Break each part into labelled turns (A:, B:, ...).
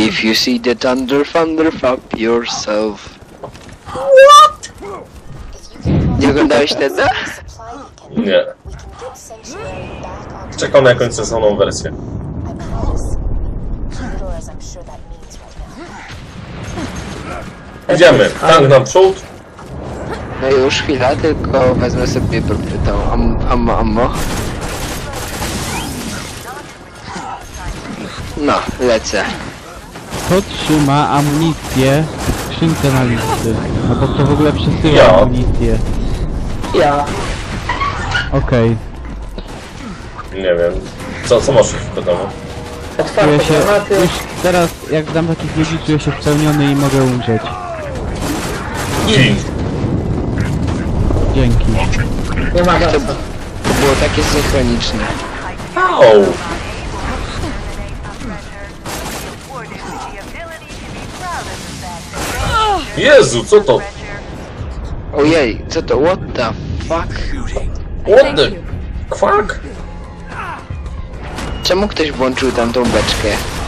A: If you see the thunder, fuck yourself.
B: What?
A: Nie oglądałeś tego?
C: Nie. Czekam na jakąś sensowną wersję. Idziemy. Tank naprzód.
A: No już chwila, tylko wezmę sobie tą ammo. No, lecę.
D: Kto trzyma amunicję w skrzynce na listy? Albo kto w ogóle przesyła
C: Ja.
D: amunicję?
B: Ja.
D: Okej.
C: Nie wiem. Co masz w domu?
B: Otwarte
D: Czuję się...
B: granaty.
D: Już teraz, jak dam takich ludzi, czuję się spełniony i mogę umrzeć.
C: Gin.
D: Dzięki.
B: Nie ma
A: To
B: czasu.
A: było takie synchroniczne.
C: Au! Jezu, co to?
A: Ojej, co to? What the fuck?
C: What the... Fuck?
A: Czemu ktoś włączył tamtą beczkę?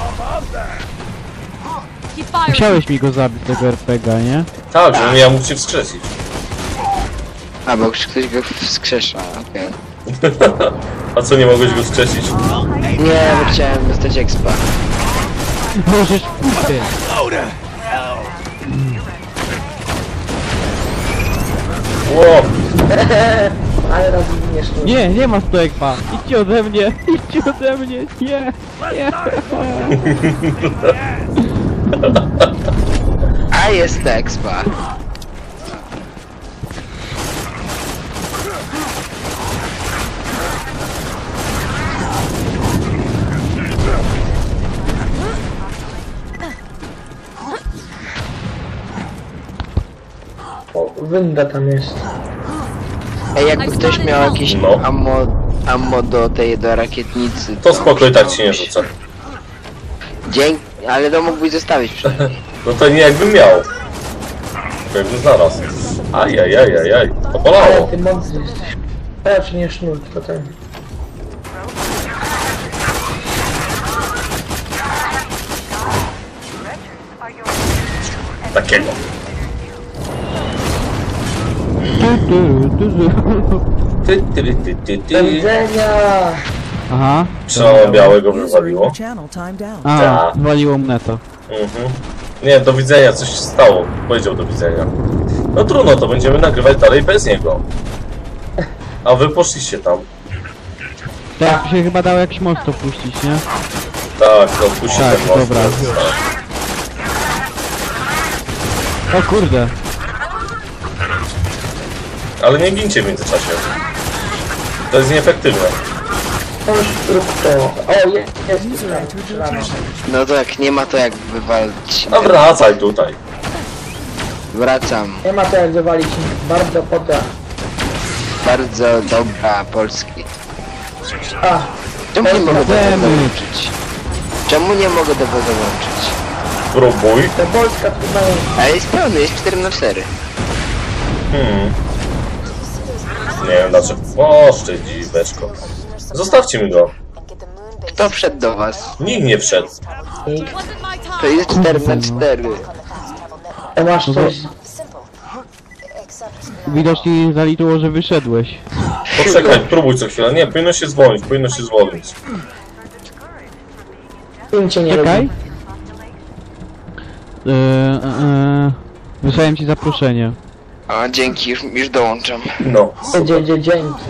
D: Musiałeś mi go zabić, tego RPGa, nie?
C: Tak, żebym ja mógł cię wskrzesić.
A: A, bo ktoś go wskrzesza, okej.
C: A co, nie mogłeś go wskrzesić?
A: Nie, bo chciałem dostać expa.
D: Możesz pójść.
C: Ło!
B: Ale raz nie sztuczne.
D: Nie, nie ma stojekpa. Idźcie ode mnie, idźcie ode mnie. Nie, nie.
A: A jest expa.
B: Winda tam jest.
A: Ej, jakby ktoś miał jakieś
C: No.
A: ammo do rakietnicy.
C: To spoko, i tak ci nie rzucę.
A: Dzięki, ale to mógłbyś zostawić przynajmniej.
C: No to nie jakbym miał. Tylko jakbym znalazł. Ajajajajaj, to
B: Ale
C: bolało.
B: ty mądry jesteś. Lecz nie sznur, tylko ten.
C: Takiego.
B: Do widzenia!
D: Aha.
C: Trzeba białego
E: User in
C: wywaliło.
E: your channel timed out.
D: A,
C: Tak.
D: waliło mnie to.
C: Nie, do widzenia, coś się stało. Powiedział do widzenia. No trudno, to będziemy nagrywać dalej bez niego. A wy poszliście tam.
D: Tak się chyba dało jakiś most opuścić, nie?
C: Tak, to puści
D: Tak,
C: ten most.
D: dobra. O kurde.
C: Ale nie gincie w międzyczasie. To jest nieefektywne.
B: To już rób to. O, jest
E: User
B: tutaj.
E: entered your
B: Strzelamy.
E: channel.
A: No tak, nie ma to jak wywalić.
C: A wracaj tutaj.
A: Wracam.
B: Nie ma to jak wywalić. Bardzo poda.
A: Bardzo dobra Polski.
B: A,
A: Czemu nie mogę tego
D: Damage.
A: dołączyć? Czemu nie mogę tego dołączyć?
C: Spróbuj.
B: to Polska trudna.
A: Ale jest pełny, jest 4×4.
C: Nie wiem dlaczego. O, szczędziweczko. Zostawcie mi go.
A: Kto wszedł do was?
C: Nikt nie wszedł.
A: To jest 4×4.
B: Masz coś.
D: Widocznie zaliczyło, że wyszedłeś.
C: Poczekaj, próbuj co chwilę. Nie, powinno się zwolnić, powinno się zwolnić.
B: Im cię nie
D: Czekaj.
B: lubi.
D: Wysłałem ci zaproszenie.
A: A dzięki, już dołączam.
C: No, super.
B: Dzięki.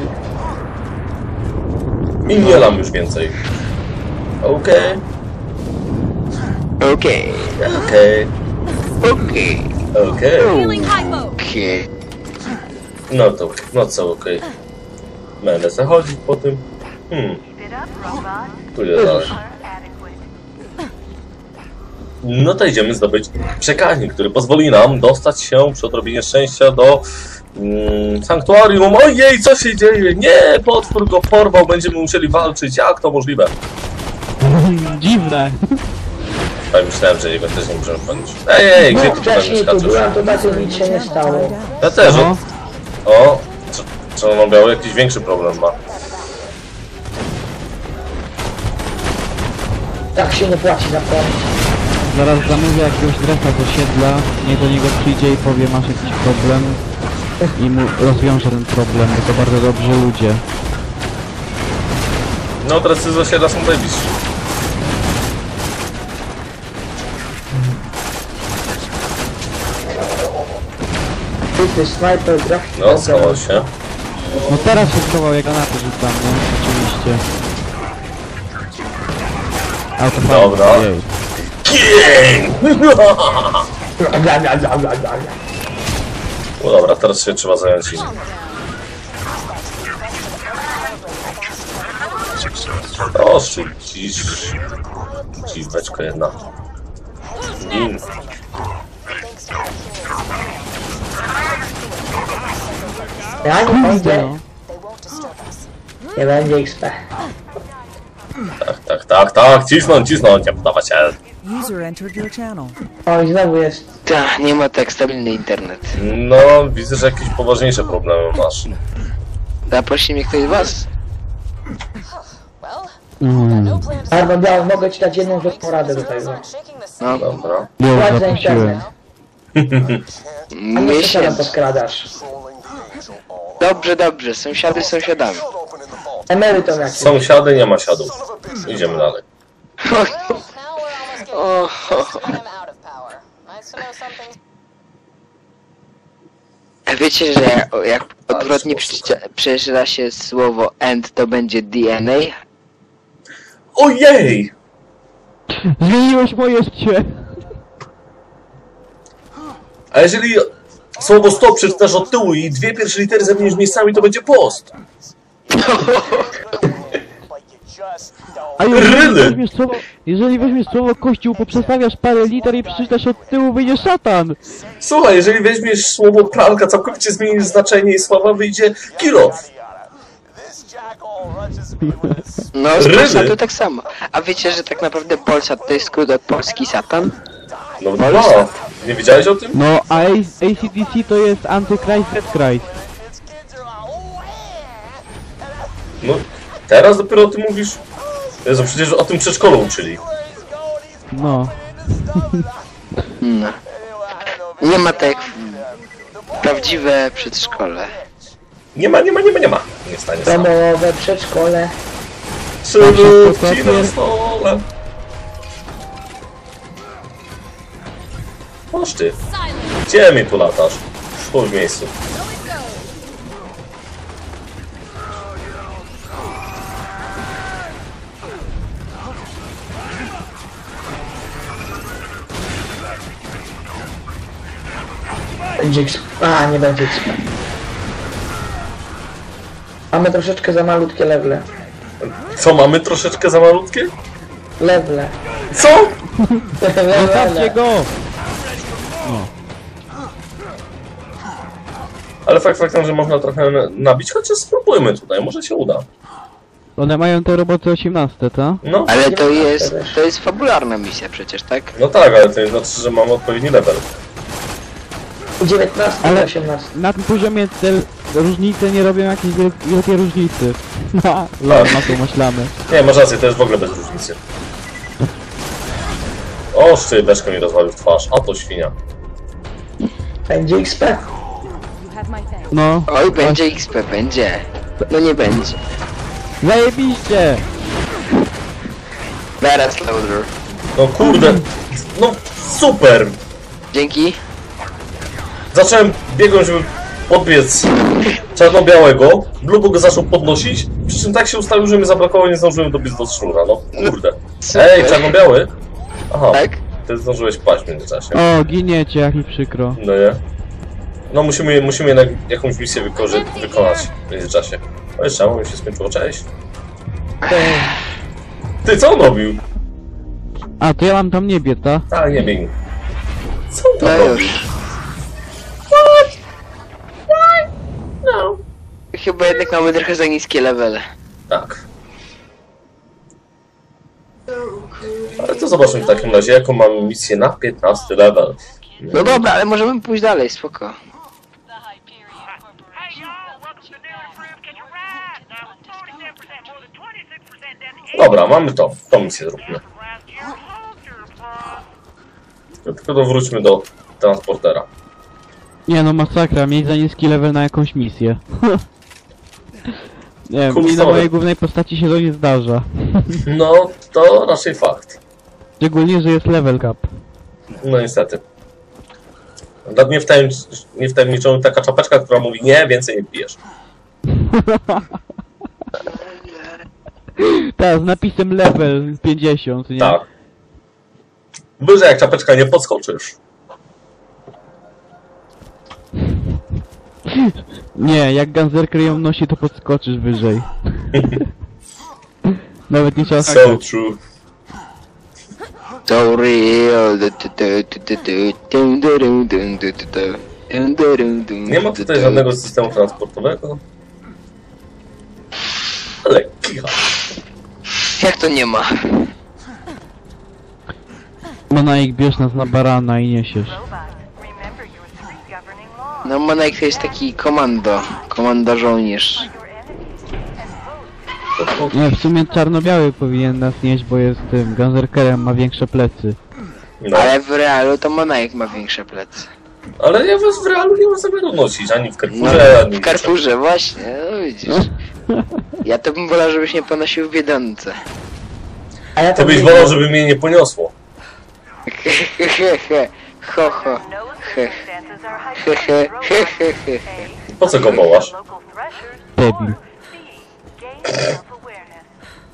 C: I nie lam już więcej. Okej,
A: Okej,
C: okej,
A: okej,
C: okej.
A: okej.
C: No co, okej. Będę se chodzić po tym. Tu jest dalej. No to idziemy zdobyć przekaźnik, który pozwoli nam dostać się przy odrobinie szczęścia do sanktuarium. Ojej, co się dzieje? Nie, potwór go porwał, będziemy musieli walczyć. Jak to możliwe?
D: Dziwne.
C: Tak myślałem, że jego też nie możemy palić. Ej, gdzie
B: No,
C: ty tutaj
B: wcześniej tu
C: skaczesz?
B: byłem, to tacy nic się nie stało.
C: Ja też.
D: No.
C: O, czy on miał jakiś większy problem ma?
B: Tak się nie płaci za prąd.
D: Zaraz zamówię jakiegoś drefa z osiedla, niech do niego przyjdzie i powie, masz jakiś problem i mu rozwiąże ten problem, bo to bardzo dobrzy ludzie.
C: No teraz z osiedla są najbliżsi.
B: Ty snajper, grafik.
C: No, schował się.
D: No teraz się schował, jak granaty rzucam, no, oczywiście. Autofajnie,
C: Dobra.
D: jej.
C: No dobra, teraz się trzeba zająć innym. Proszę, dziweczko jedna. Gin.
B: Ja nie będzie.
D: No.
B: Nie będzie XP.
C: Tak, cisnąć, nie podawać się.
E: User entered your channel.
B: Oj, znowu jest.
A: Ta, nie ma tak stabilny internet.
C: No, widzę, że jakieś poważniejsze problemy masz.
A: Zaprosi mnie ktoś z was?
B: Arno Biały, mogę ci dać jedną złotą radę do tego.
A: No,
C: Dobra.
D: Już
B: Płać za
D: zaprosiłem.
B: internet. A nie sąsiadem
A: miesiąc.
B: podkradasz.
A: Dobrze, sąsiady sąsiadami.
B: Emerytom jakiś.
C: Sąsiady, nie ma siadów. Idziemy dalej.
A: O, a wiecie, że jak odwrotnie przeczyta się słowo end, to będzie DNA?
C: Ojej!
D: Zmieniłeś moje życie!
C: A jeżeli słowo stop przeczytasz od tyłu i dwie pierwsze litery zamienisz miejscami, to będzie post.
D: A
C: Ryny!
D: jeżeli weźmiesz słowo kościół, poprzestawiasz parę liter i przeczytasz od tyłu, wyjdzie szatan!
C: Słuchaj, jeżeli weźmiesz słowo pralka, całkowicie zmienisz znaczenie i słowa wyjdzie kilof.
A: No, z
C: Ryny.
A: Polsatu tak samo. A wiecie, że tak naprawdę Polsat to jest skrót od polski Satan?
C: No dwa. Nie wiedziałeś o tym?
D: No, a AC/DC to jest Antychrist, Dead Christ.
C: No, teraz dopiero o tym mówisz? Jezu, przecież o tym przedszkolu uczyli.
D: No.
A: No. Nie ma tak jak prawdziwe przedszkole.
C: Nie ma. Nie stanie sam.
B: Domowe, przedszkole.
C: Przywódci na stole. Masz ty. Gdzie mi tu latasz? Stój w miejscu.
B: Będzie XP. A, nie będzie XP. Mamy troszeczkę za malutkie lewle.
C: Co, mamy troszeczkę za malutkie?
B: Lewle.
C: Co?
D: Zostawcie go!
C: Ale faktem, że można trochę nabić, chociaż spróbujmy tutaj, może się uda.
D: One mają te roboty 18, tak?
C: No,
A: Ale to jest fabularna misja przecież, tak?
C: no tak, ale to nie znaczy, że mamy odpowiedni level.
B: 19,
D: Ale
B: 18.
D: na tym poziomie te różnice nie robią jakiejś wielkiej różnicy. No, lol, na to myślamy.
C: Nie, masz rację, to jest w ogóle bez różnicy. O, szczybeczkę mi rozwalił w twarz, a to świnia.
B: Będzie XP.
E: You have my thanks.
D: No,
A: Oj, będzie XP, będzie. No nie będzie.
D: zajebiście!
A: Teraz loader.
C: No kurde, no super!
A: Dzięki.
C: Zacząłem biegłem, żeby podbiec czarno-białego, Blubo go zaczął podnosić, przy czym tak się ustawił, że mi zabrakło, nie zdążyłem dobiec do szczura, no kurde.
A: Super.
C: Ej, czarno-biały? Aha,
A: Tak?
C: ty zdążyłeś paść w międzyczasie.
D: O, giniecie, jak mi przykro.
C: No nie? No musimy jednak jakąś misję wykonać w międzyczasie. No jeszcze, mi się skończyło, cześć. Ty, co on robił?
D: A, to ja mam tam niebie, ta?
C: Tak, nie biegnij. Co on
A: No
C: tam robił?
A: już. Chyba jednak mamy trochę za niskie levele.
C: Tak. Ale to zobaczmy w takim razie, jaką mamy misję na 15 level.
A: No dobra, ale możemy pójść dalej, spoko.
F: Hey y'all, welcome to Daily Proof. Catch a ride. Now with 47%, more than 26% down the
C: Dobra, mamy to. Tą misję zróbmy.
F: last year. Hold your applause.
C: Tylko to wróćmy do transportera.
D: Nie no, masakra, mieć za niski level na jakąś misję. Nie wiem,
C: Cool
D: mi na
C: story.
D: mojej głównej postaci się to nie zdarza.
C: No, to raczej fakt.
D: Szczególnie, że jest level cap.
C: No niestety. Nad niewtajemniczą taka czapeczka, która mówi nie, więcej nie pijesz.
D: Tak, z napisem level 50, nie?
C: Tak. Wyżej jak czapeczka nie podskoczysz.
D: Nie, jak Ganzerker ją nosi, to podskoczysz wyżej. Nawet nie trzeba
C: So
D: skakać.
C: true.
A: So real.
C: Nie ma tutaj żadnego systemu transportowego. Ale kicha.
A: Jak to nie ma?
D: Monaik, bierz nas na barana i niesiesz.
F: Remember your three governing laws.
A: No Monaik to jest taki komando żołnierz.
D: Nie, w sumie czarno-biały powinien nas nieść, bo jest tym Ganzerkerem, ma większe plecy.
C: No.
A: Ale w realu to Monaik ma większe plecy.
C: Ale ja was w realu nie mam zamiaru nosić, ani w
A: No,
C: Carrefourze, ani
A: w Carrefourze, właśnie, no widzisz. Ja to bym wolał, żebyś nie ponosił w Biedronce.
B: A ja
C: Ty
B: to
C: byś wolał, żeby mnie nie poniosło.
A: Ho, ho.
F: No circumstances are
A: Hehe,
F: hypothetical.
A: hehe.
F: A.
C: Po co go wołasz?
F: Local threshers.
D: Debil.
F: Or C. Gain self-awareness.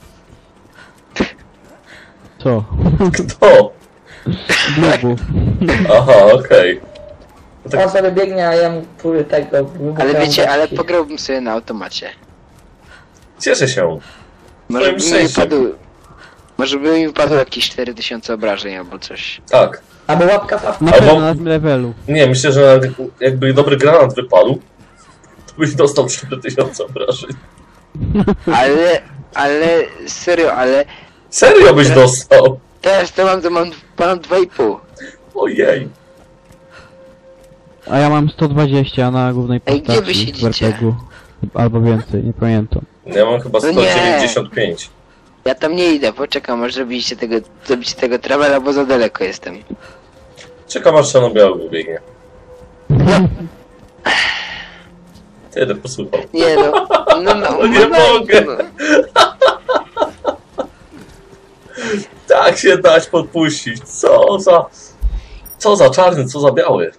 D: Co?
C: Kto?
D: Blubu.
C: Aha, okej.
B: On sobie biegnie, a ja mu próbuję tego...
A: Ale wiecie, ale pograłbym sobie na automacie.
C: Cieszę się.
A: Może by mi
C: szczęściem.
A: wypadł... Może by mi wypadło jakieś 4000 obrażeń albo coś.
C: Tak.
B: Albo łapka fa...
D: Na
C: Albo-
D: pewno na tym levelu.
C: Nie, myślę, że jakby dobry granat wypadł, to byś dostał 4000 obrażeń.
A: Ale serio, ale
C: Serio byś dostał?
A: teraz to mam ponad 2,5.
C: Ojej.
D: A ja mam 120 na głównej
A: Ej,
D: postaci.
A: gdzie wy
D: w
A: siedzicie?
D: RPG-u. Albo więcej, nie pamiętam.
C: Ja mam chyba
A: No nie.
C: 195.
A: Ja tam nie idę, poczekam aż zrobicie tego travela, bo za daleko jestem.
C: Czekam aż czarno-biały wybiegnie. Tyle posłuchał.
A: Nie no, no,
C: Nie mogę.
A: No.
C: Tak się dać podpuścić. Co za czarny, co za biały.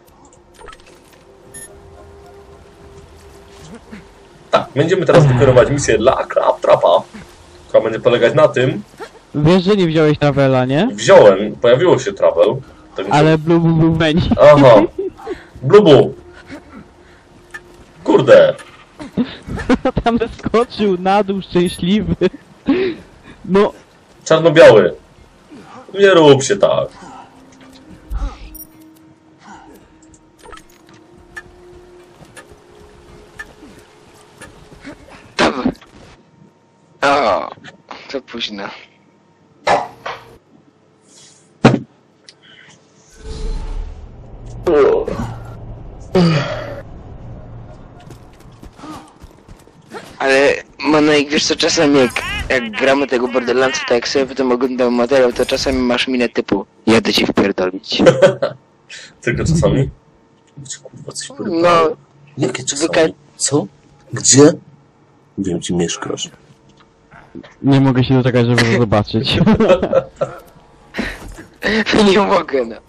C: Tak, będziemy teraz wykonywać misję dla Claptrapa, która będzie polegać na tym.
D: Wiesz, że nie wziąłeś travela, nie?
C: Wziąłem, pojawiło się travel. Także...
D: Ale Blubu był menu.
C: Aha. Blubu. Kurde.
D: Tam skoczył na dół szczęśliwy. No,
C: Czarno-biały. Nie rób się tak.
A: Dobra. O, to późno. Ale Monaik, wiesz co, czasami jak gramy tego Borderlandsa, to jak sobie potem oglądam materiał, to czasami masz minę typu jadę cię wpierdolić.
C: Tylko czasami. Kurwa, coś porywało.
A: No,
G: Jakie
A: Wyka-
G: czasami? Co? Gdzie? Wiem, gdzie mieszkasz.
D: nie mogę się doczekać, żeby to zobaczyć.
A: nie mogę, no.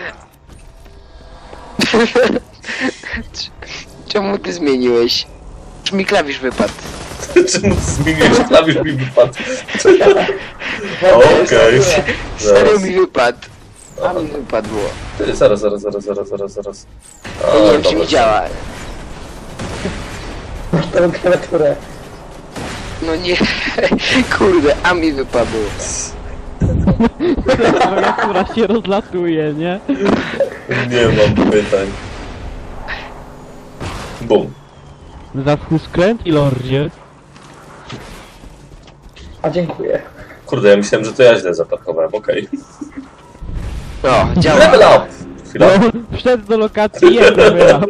A: Czemu ty zmieniłeś? Czy mi klawisz wypadł?
C: Czemu zmieniłeś klawisz mi wypadł? Okej.
A: Serio mi wypadł. A mi wypadło.
C: Ty, zaraz.
A: Ja nie wiem, czy mi działa.
B: Masz tą klawiaturę.
A: No nie, kurde, a mi wypadło.
D: Która się rozlatuje, nie?
C: Nie mam pytań. Bum.
D: Zaschł skręt i lordzie.
B: A dziękuję.
C: Kurde, ja myślałem, że to ja źle zaparkowałem, okej.
A: O, działa.
C: Level up! Chwila.
D: No, wszedł do lokacji jeden wyrab.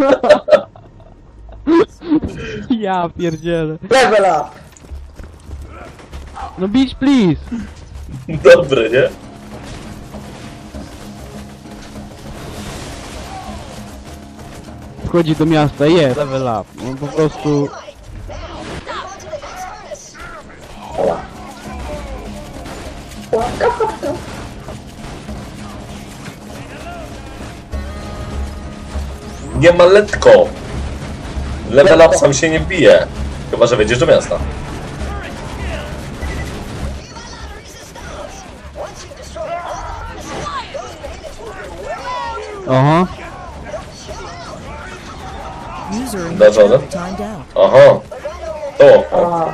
D: Ja pierdzielę.
B: Level up!
D: No beach please.
C: Dobre, nie?
D: wchodzi do miasta, jest, level up. No po prostu...
C: Nie ma letko! Level up sam się nie bije. Chyba, że wejdziesz do miasta.
D: Oho.
E: User in your
C: That's all
E: channel
C: then?
E: timed out.
C: Aha. To.
B: A.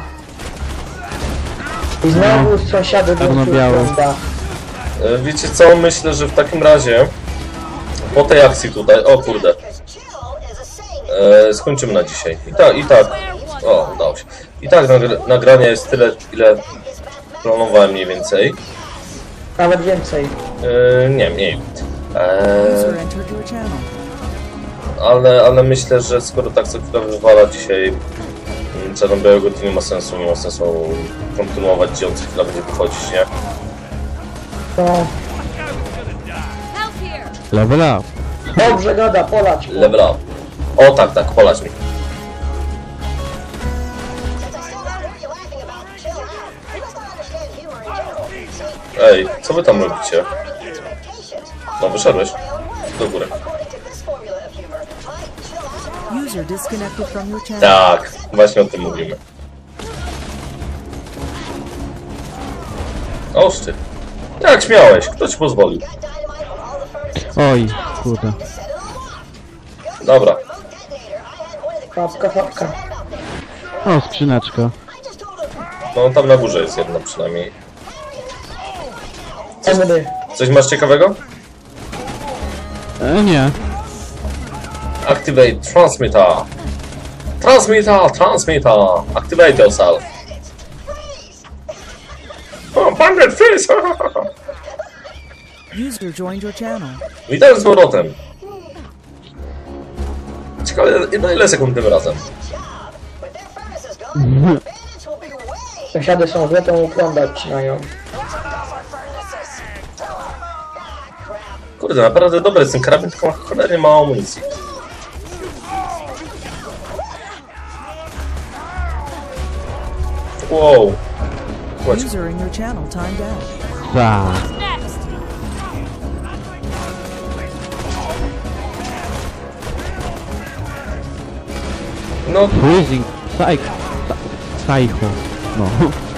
B: I znowu sąsiady
D: Czarno-białe.
C: Wiecie co? Myślę, że w takim razie po tej akcji tutaj, o kurde, skończymy na dzisiaj. I tak, o, udało się. I tak nagrania jest tyle, ile planowałem mniej więcej.
B: Nawet więcej.
C: Nie, mniej.
E: User entered your channel.
C: Ale myślę, że skoro tak co chwilę wywala dzisiaj Czarno-Białego, to nie ma sensu kontynuować, gdzie on co chwilę będzie wychodzić, nie?
B: No.
D: Level up.
B: Dobrze gada, polać.
C: Level up. O tak, polać mi. Ej, co wy tam robicie? No, wyszedłeś. Do góry.
E: User disconnected from your channel.
C: Tak, właśnie o tym mówimy. Oż ty. Jak śmiałeś? Kto ci pozwolił?
D: Oj, kurde.
C: Dobra.
B: Fapka.
D: O, skrzyneczka.
C: No, tam na górze jest jedna przynajmniej.
B: MD.
C: Coś masz ciekawego?
D: Nie.
C: Activate transmitter. Transmitter. Activate yourself. O, Bandit Face!
E: User joined your channel.
C: Witam z powrotem. Ciekawe, na ile sekund tym razem?
B: Sąsiady są złe, to ukłon odcinają.
C: Kurde, naprawdę dobry jest ten karabin, tylko ma cholernie mało amunicji. Wow. Chodź.
E: User in your channel timed out.
D: Tak.
C: No,
D: Freezing. Psycho. No.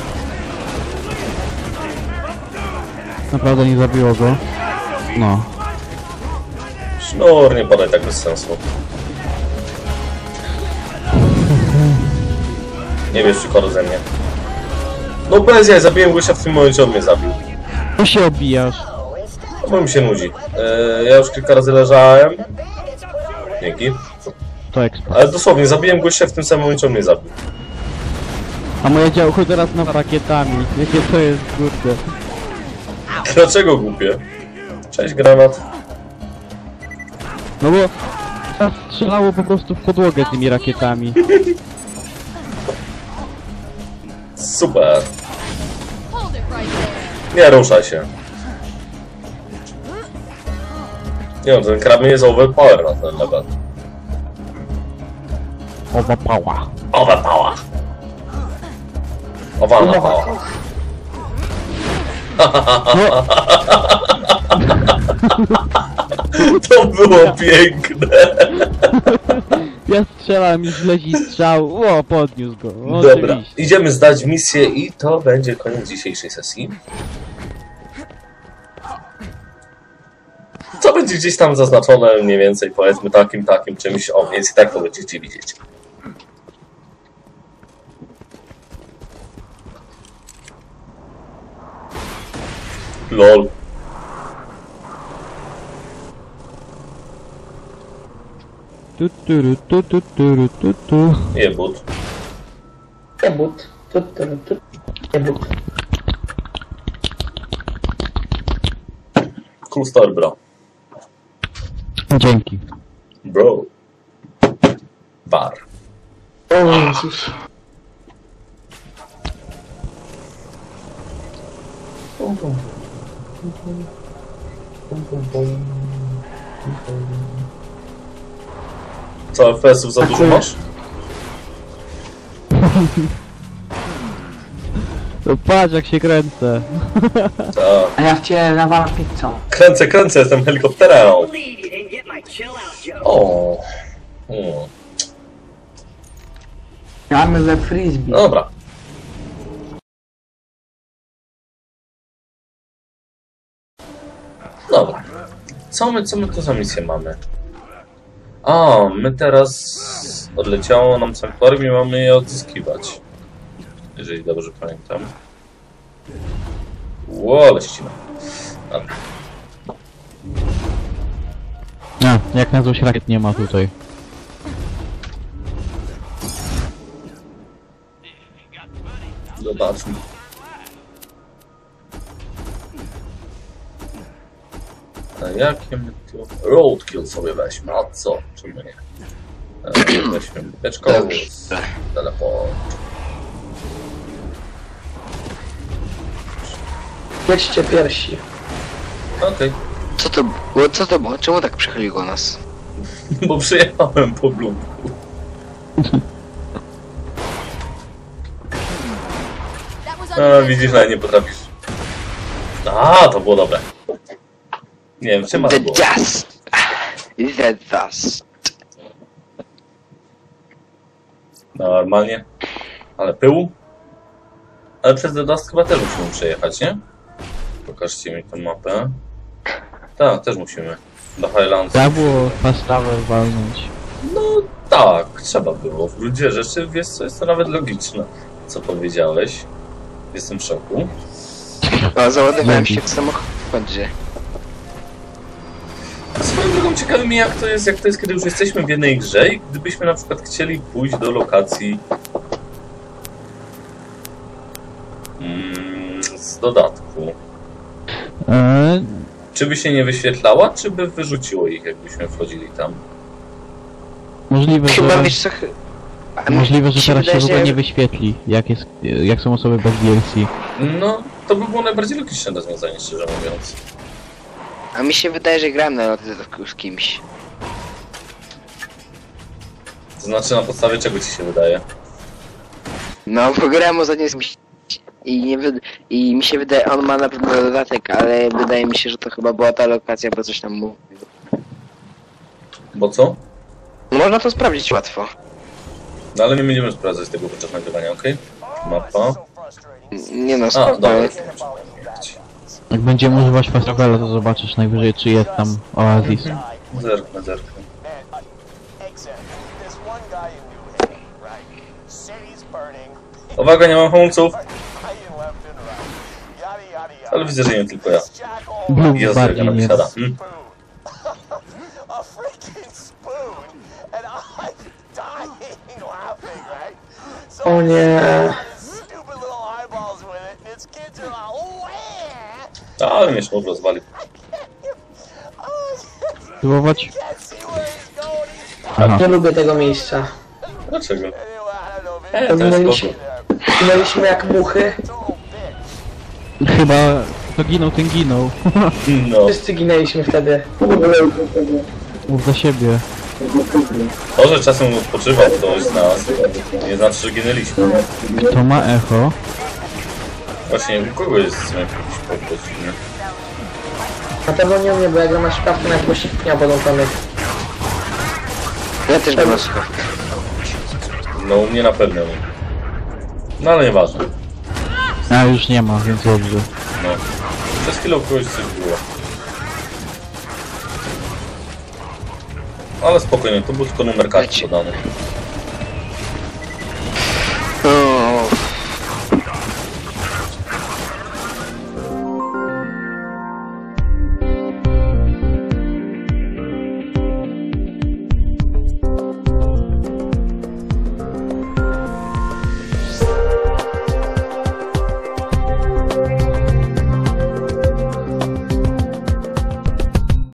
D: Naprawdę nie zabiło go. No.
C: sznur, nie podaj tak bez sensu. Nie wiesz, czy koru ze mnie. No bez jaj, zabiłem gościa w tym momencie, on mnie zabił.
D: To się obijasz.
C: No bo mi się nudzi. Ja już kilka razy leżałem. Dzięki.
D: To ekspert.
C: Ale dosłownie, zabiłem gościa w tym samym momencie, on mnie zabił.
D: A moje działko teraz nad rakietami. Jakie to jest, kurde.
C: Dlaczego głupie? Cześć, granat.
D: No bo teraz strzelało po prostu w podłogę tymi rakietami.
C: Super. Nie ruszaj się. Nie no, ten krabin jest overpower na ten level.
D: Owapała.
C: Overpower. Owalna pała. To było piękne.
D: Ja strzelam i zleci strzał. O, podniósł go.
C: Dobra,
D: Oczywiście.
C: idziemy zdać misję i to będzie koniec dzisiejszej sesji. Co będzie gdzieś tam zaznaczone mniej więcej, powiedzmy takim czymś, o więc i tak to będziecie widzieć. LOL.
D: Tu, tu, tu, tu, tu, tu, tu.
C: Jebut.
B: Jebut. Jebut.
C: Cool story, bro.
D: Dzięki.
C: Bro. Bar.
B: O Jezus. Pum, pum. Pum, pum. Pum, pum, pum. Pum, pum.
C: Co, FPS-ów za dużo masz?
D: No patrz jak się kręcę.
C: Tak.
B: A ja w ciebie nawalam pizzą.
C: Kręcę, jestem helikopterem. O.
B: Gramy we frisbee.
C: Dobra. Dobra. Co my tu za misję mamy? A, my teraz odleciało nam sanktuarium i mamy je odzyskiwać. Jeżeli dobrze pamiętam. Ło, ale ścina. Dobra.
D: A, jak na złość rakiet nie ma tutaj.
C: Zobaczmy. A jakie my tu... Roadkill sobie weźmy, a co? Czemu nie? Weźmy beczką, teleport.
B: Jedźcie piersi.
C: Okej.
A: Co to było? Czemu tak przechyliło nas?
C: Bo przyjechałem po blumku. A, widzisz, nawet nie potrafisz. A, to było dobre. Nie wiem, czym ma to
A: The
C: było.
A: dust! The dust.
C: Normalnie. Ale pyłu? Ale przez The Dust chyba też musimy przejechać, nie? Pokażcie mi tę mapę. Tak, też musimy. Do Highlands.
D: Trzeba było fast travel walnąć.
C: No tak, trzeba było. W gruncie rzeczy, wiesz co, jest to nawet logiczne, co powiedziałeś. Jestem w szoku.
A: O, załadowałem się w samochodzie.
C: Swoją drogą ciekawi mnie jak to jest, kiedy już jesteśmy w jednej grze i gdybyśmy na przykład chcieli pójść do lokacji z dodatku. Czy by się nie wyświetlała, czy by wyrzuciło ich, jakbyśmy wchodzili tam?
D: Możliwe,
A: Chyba
D: że...
A: wiesz co...
D: Możliwe, że teraz się
A: wydaje,
D: w ogóle
A: że-
D: nie wyświetli, jak są osoby bez DLC.
C: No, to by było najbardziej logiczne rozwiązanie, szczerze mówiąc.
A: A mi się wydaje, że grałem na dodatku z kimś.
C: To znaczy, na podstawie czego ci się wydaje?
A: No, bo grałem ostatnio z kimś i mi się wydaje, on ma na pewno dodatek, ale wydaje mi się, że to chyba była ta lokacja, bo coś tam mówił.
C: Bo co?
A: No, można to sprawdzić łatwo.
C: No ale nie będziemy sprawdzać tego podczas nagrywania, okej? Mapa.
A: Nie no,
C: A,
A: spoko.
C: dobra.
D: Jak będziemy używać fast travela, to zobaczysz najwyżej, czy jest tam Oasis.
C: Zerknę. Uwaga, nie mam hamulców! Ale widzę, że nie tylko ja.
D: Blue
C: Jezu, jak
D: bardziej
C: ona
D: nie
C: wysiada.
D: jest.
F: A freaking spoon, and I'm dying laughing, right? So
B: O nie.
F: stupid little eyeballs with it, and its kids are like, wah!
C: Ale mnie sznur rozwalił.
D: Spróbować?
F: Can't see where he's going. He's
D: Aha.
B: Nie lubię tego miejsca.
C: Dlaczego?
F: anyway, I don't know, maybe
C: To jest
B: Zginęliśmy,
C: spoko.
B: zginęliśmy jak muchy.
F: total bitch.
D: Chyba kto ginął, ten ginął.
C: No.
B: Wszyscy ginęliśmy wtedy.
D: Mów za siebie.
C: To, że czasem odpoczywał ktoś z nas, nie znaczy, że ginęliśmy.
D: Kto ma echo?
C: Właśnie, u kogo jest jakiś pokój, nie?
B: Na pewno nie u mnie, bo ja gram na szkawkę na głośniknia podłączony.
A: Ja też byłem na słuchawkach.
C: No, u mnie na pewno nie. No, ale nieważne.
D: A już nie ma, więc dobrze.
C: No. Przez chwilę u kogoś coś było. Ale spokojnie, to był tylko numer karty
A: Leci.
C: podany.